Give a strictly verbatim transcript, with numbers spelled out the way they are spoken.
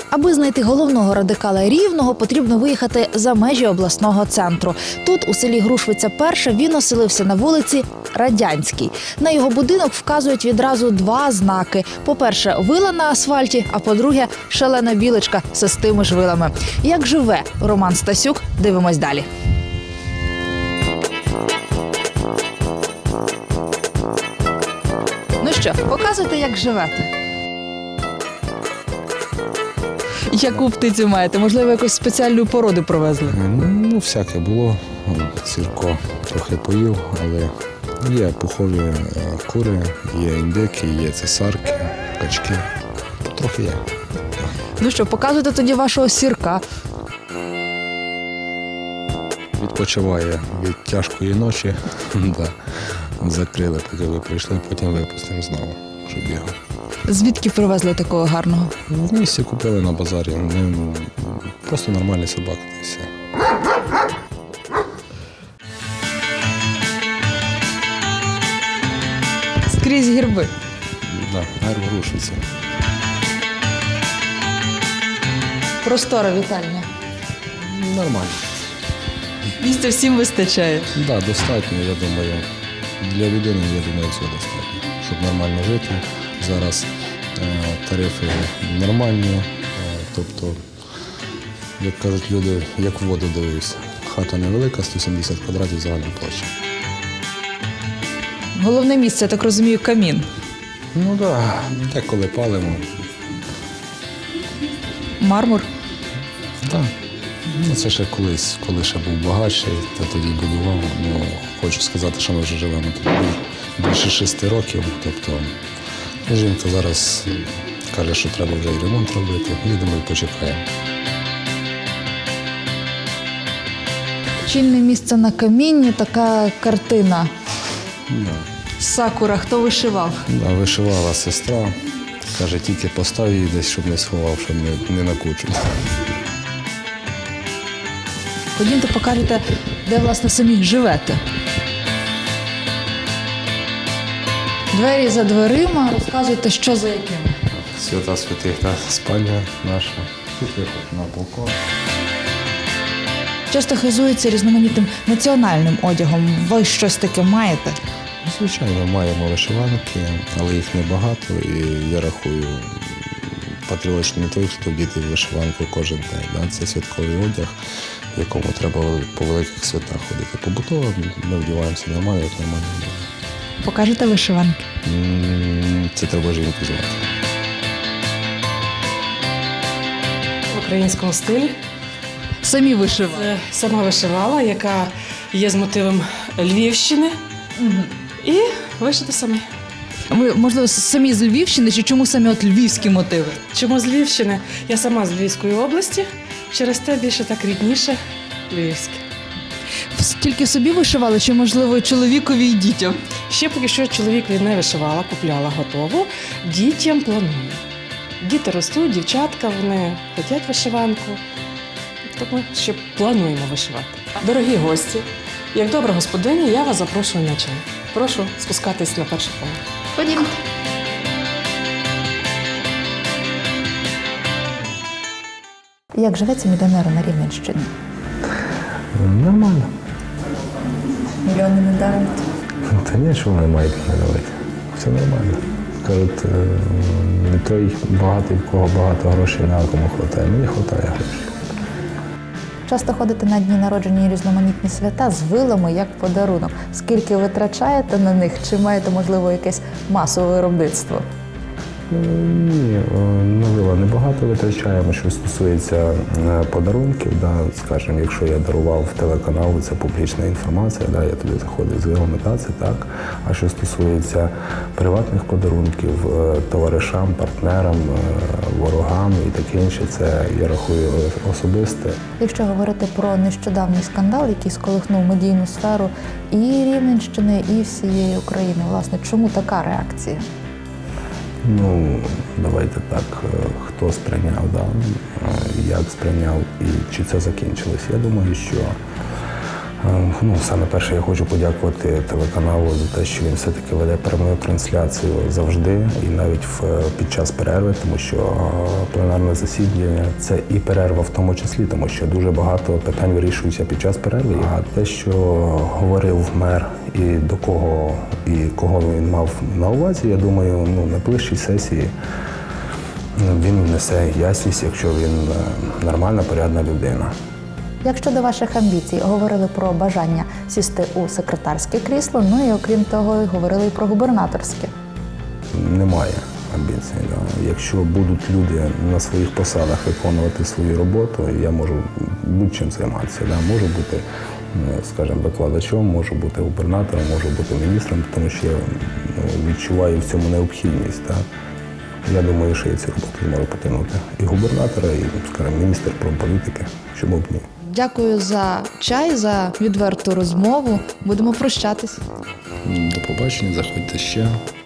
Аби знайти головного радикала Рівного, потрібно виїхати за межі обласного центру. Тут, у селі Грушвиця перша, він оселився на вулиці Радянській. На його будинок вказують відразу два знаки. По-перше, вила на асфальті, а по-друге, шалена білочка з тими ж вилами. Як живе Роман Стасюк, дивимось далі. Ну що, показуйте, як живете. Яку птицю маєте? Можливо, якусь спеціальну породу привезли? Ну, всяке було. Сірко трохи поїв, але є пухові кури, є індики, є цесарки, качки. Трохи є. Ну що, показуйте тоді вашого сірка. Відпочиває від тяжкої ночі. Да. Закрили, поки ви прийшли, потім випустимо знову, щоб бігав. Звідки привезли такого гарного? В місті купили на базарі. Ми просто нормальні собаки. Та й все. Скрізь герби. Так, герб Грушвиці. Простора вітальня. Нормально. Місця всім вистачає. Так, да, достатньо, я думаю. Для людини, я думаю, цього достатньо. Щоб нормально жити. Зараз е, тарифи нормальні. Е, тобто, як кажуть люди, як в воду дивився. Хата невелика, сто сімдесят квадратів загальна площа. Головне місце, я так розумію, камін. Ну так, да, деколи палимо. Мармур? Так. Да. Ну, це ще колись, коли ще був багатший, то тоді будував. Ну, хочу сказати, що ми вже живемо тут більше шести років. Тобто жінка зараз каже, що треба вже і ремонт робити. Їдемо і почекаємо. Чільне місце на камінні, така картина. Да. Сакура, хто вишивав? Да, вишивала сестра. Каже, тільки постав її десь, щоб не сховав, щоб не, не накучив. Ходімте, покажете, де, власне, самі живете. Двері за дверима, розказуйте, що за якими. Свята святих, та спальня наша. Тут виход на балкон. Часто хизується різноманітним національним одягом. Ви щось таке маєте? Звичайно, маємо вишиванки, але їх небагато. І я рахую, патріотичний не той, хто вдіти в вишиванку кожен день. Це святковий одяг, в якому треба по великих святах ходити. Побутово ми вдіваємося нормально, як нормально люди. Покажете вишиванки? Це треба жінку звати. В українському стилі. Самі вишивали? Це сама вишивала, яка є з мотивом Львівщини. Угу. І вишити самі. Ви, можливо, самі з Львівщини, чи чому самі от львівські мотиви? Чому з Львівщини? Я сама з Львівської області, через те більше так рідніше львівське. Тільки собі вишивали, чи, можливо, чоловікові і дітям? Ще поки що чоловікові не вишивала, купляла готову. Дітям планую. Діти ростуть, дівчатка, вони хочуть вишиванку. Тому ще плануємо вишивати. Дорогі гості, як добра господиня, я вас запрошую на чай. Прошу спускатись на перший поверх. Ходімте. Як живеться мільйонеру на Рівненщині? Нормально. Мільйони не дарують? Та ні, що вони мають не давати. Все нормально. Кажуть, не той багатий, в кого багато грошей, на кому хватає. Мені хватає грошей. Часто ходите на дні народження і різноманітні свята з вилами як подарунок. Скільки витрачаєте на них? Чи маєте, можливо, якесь масове виробництво? Ні, на вила небагато витрачаємо, що стосується подарунків. Да, скажімо, якщо я дарував телеканалу, це публічна інформація, да, я туди заходив з вилами, да, це так. А що стосується приватних подарунків, товаришам, партнерам, ворогам і таке інше, це, я рахую, особисте. Якщо говорити про нещодавній скандал, який сколихнув медійну сферу і Рівненщини, і всієї України, власне, чому така реакція? Ну, давайте так, хто сприйняв, да, як сприйняв і чи це закінчилось. Я думаю, що Ну, саме перше, я хочу подякувати телеканалу за те, що він все-таки веде пряму трансляцію завжди і навіть в, під час перерви, тому що пленарне засідання – це і перерва в тому числі, тому що дуже багато питань вирішуються під час перерви. А те, що говорив мер і до кого, і кого він мав на увазі, я думаю, ну, на найближчій сесії він внесе ясність, якщо він нормальна, порядна людина. Як щодо ваших амбіцій, говорили про бажання сісти у секретарське крісло, ну і окрім того, говорили і про губернаторське. Немає амбіцій. Да. Якщо будуть люди на своїх посадах виконувати свою роботу, я можу будь-чим займатися. Да. Можу бути, скажімо, викладачом, можу бути губернатором, можу бути міністром, тому що я відчуваю в цьому необхідність. Да. Я думаю, що я цю роботу зможу потягнути. І губернатора, і, скажімо, міністр промполітики, чому б ні. Дякую за чай, за відверту розмову. Будемо прощатись. До побачення, заходьте ще.